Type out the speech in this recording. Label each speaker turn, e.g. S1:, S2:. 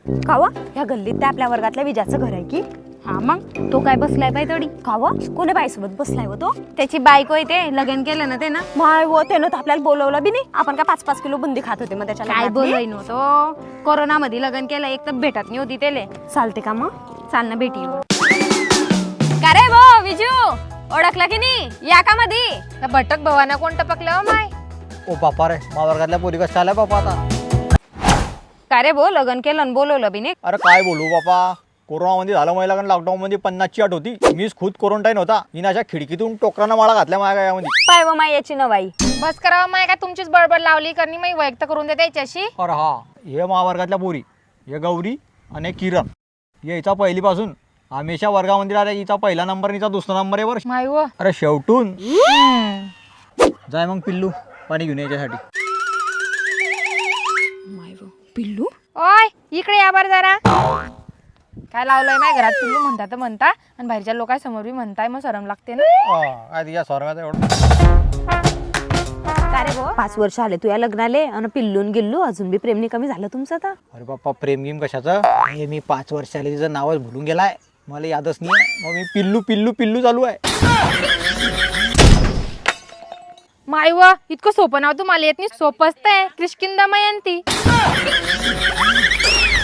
S1: कावा ह्या गल्लीत त्या आपल्या वर्गातल्या विजाचं घर आहे की?
S2: हा मग तो काय बसलाय पाय तडी
S1: कावा कोणी बाईसोबत बसलाय व तो?
S2: त्याची बायको आहे ते लग्न केलं ना ते ना
S1: माय व त्यानं तर आपल्याला बोलवलं बी नाही. आपण काय 5-5 किलो बुंदी खात होते मग त्याच्या
S2: काय
S1: लग्नातली?
S2: बोलय नव्हतो कोरोना मध्ये लग्न केलं एक तर भेटत नाही होती त्याले
S1: चालते का मग?
S2: चाल ना भेटी का रे भो विजू ओळखला की नाही या का मधी भटक भवाना कोण टपकलं माय
S3: ओ बापा रे मा वर्गातल्या पोरी कसं चालय बापा आता.
S2: का रे भो लग्न केलं आणि बोलवलं बी नाही
S3: अरे काय बोलू बापा, कोरोनामध्ये झालं मला कारण लॉकडाऊनमध्ये 50ची अट होती. मीच खुद क्वारंटाईन होता. हिने अशा खिडकीतून टोकरानं माळा घातल्या माझ्या गायामध्ये.
S1: पाय व माय याची नवाई.
S2: बस करावं माय काय तुमचीच बडबड लावली करणी मी व्यक्त करून दे त्याच्याशी.
S3: अरे हा, हे महावर्गातल्या पोरी, हे गौरी आणि किरण, हे हिचा पहिलीपासून हमेशा वर्गामध्ये राहिल्या. हिचा पहिला नंबर, हिचा दुसरा नंबर आहे वर.
S2: माय व
S3: अरे शेवटून जाय मग पिल्लू पाणी घेऊन याच्यासाठी.
S1: माय व पिल्लू
S2: ओय इकडे या बर जरा. काय लावलंय माय घरात पिल्लू म्हणता आणि बाहेरच्या लोकांसमोर बी म्हणताय मग शरम लागते ना.
S3: काय तिच्या स्वर्गाचं एवढं.
S1: का रे भो 5 वर्ष आले तू या लग्नाले आणि पिल्लून गेल्लू अजून बी प्रेमनी कमी झालं तुमचं आता?
S3: अरे बाप्पा प्रेम गेम कशाचं, हे मी 5 वर्ष आले तिचं नावच भुलून गेलाय, मला यादच नाही. मग मी पिल्लू पिल्लू पिल्लू चालू आहे.
S2: माय व इतकं सोपं नाव तुम्हाला येत नाही. सोपं असतंय किष्किंदा मयंती.